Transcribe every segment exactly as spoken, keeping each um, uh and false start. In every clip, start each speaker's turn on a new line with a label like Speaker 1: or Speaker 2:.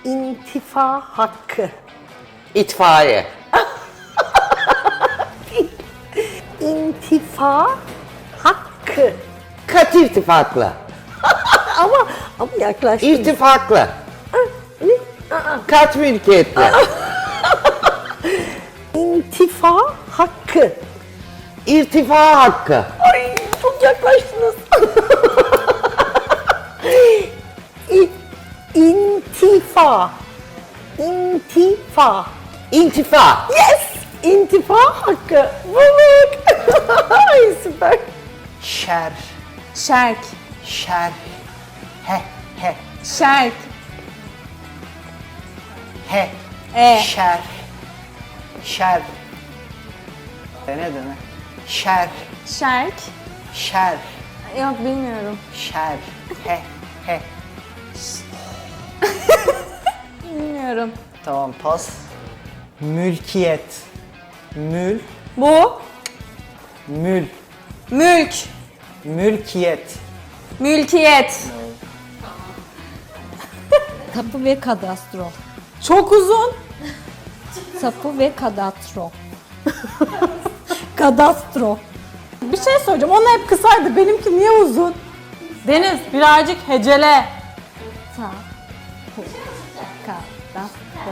Speaker 1: İntifa hakkı.
Speaker 2: İtfaiye.
Speaker 1: İntifa hakkı.
Speaker 2: Kat irtifaklı.
Speaker 1: Ama ama yaklaştın.
Speaker 2: İrtifaklı. Kat mülkiyetli.
Speaker 1: İntifa hakkı.
Speaker 2: İrtifa hakkı.
Speaker 1: Ay çok yaklaştınız. İ, intifa. İntifa.
Speaker 2: İntifa.
Speaker 1: Yes! İntifa hakkı. Bulduk. Ay süper.
Speaker 3: Şer,
Speaker 4: Şerk.
Speaker 3: şer, he, he,
Speaker 4: Şerk.
Speaker 3: he,
Speaker 4: E.
Speaker 3: şer, şer. E ne demek? Şer,
Speaker 4: Şerk.
Speaker 3: şer,
Speaker 4: Yok bilmiyorum.
Speaker 3: şer, he, he.
Speaker 4: Bilmiyorum.
Speaker 3: Tamam pas. Mülkiyet, mül,
Speaker 4: Bu.
Speaker 3: mül,
Speaker 4: Mülk.
Speaker 3: mülkiyet.
Speaker 4: Mülkiyet.
Speaker 5: Tapu ve kadastro.
Speaker 4: Çok uzun.
Speaker 5: Tapu ve kadastro. Kadastro.
Speaker 4: Bir şey söyleyeceğim. Onun hep kısaydı. Benimki niye uzun? Deniz birazcık hecele.
Speaker 5: Tapu. Kadastro.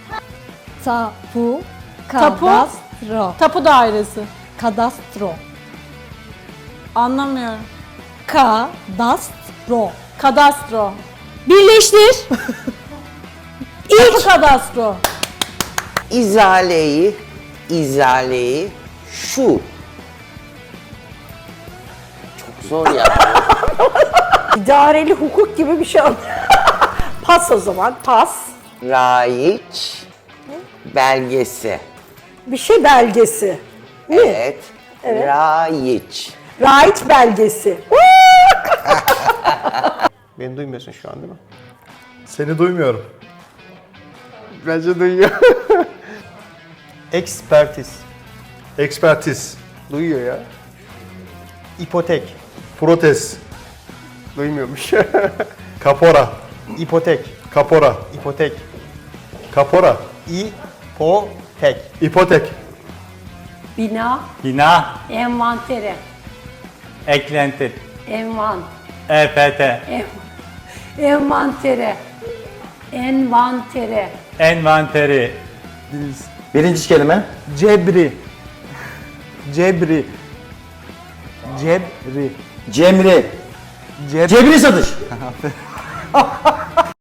Speaker 5: Tapu.
Speaker 4: Tapu.
Speaker 5: Kadastro.
Speaker 4: Tapu dairesi.
Speaker 5: Kadastro.
Speaker 4: Anlamıyorum.
Speaker 5: Kadastro.
Speaker 4: Kadastro.
Speaker 5: Birleştir.
Speaker 4: Tapu kadastro.
Speaker 2: İzaleyi, izaleyi, şu. Çok zor ya.
Speaker 1: İdareli hukuk gibi bir şey. Pas o zaman. Pas.
Speaker 2: Raiç belgesi.
Speaker 1: Bir şey belgesi. Mi?
Speaker 2: Evet. Raiç.
Speaker 1: Right belgesi.
Speaker 6: Beni duymuyorsun şu an değil mi?
Speaker 7: Seni duymuyorum.
Speaker 6: Bence duyuyor.
Speaker 7: Ekspertiz. Ekspertiz.
Speaker 6: Duyuyor ya.
Speaker 7: İpotek.
Speaker 6: Protez. Duymuyormuş. Kapora.
Speaker 7: İpotek.
Speaker 6: Kapora.
Speaker 7: İpotek.
Speaker 6: Kapora.
Speaker 7: İpotek.
Speaker 6: İpotek.
Speaker 1: Bina.
Speaker 8: Bina,
Speaker 1: Envanteri.
Speaker 8: eklenti,
Speaker 1: Envan.
Speaker 8: E F T,
Speaker 1: Ev, envanteri. Envanteri.
Speaker 8: envanteri,
Speaker 7: Birinci kelime.
Speaker 3: Cebri, cebri, cebri,
Speaker 7: Cemri.
Speaker 3: ceb.
Speaker 7: Cebri satış.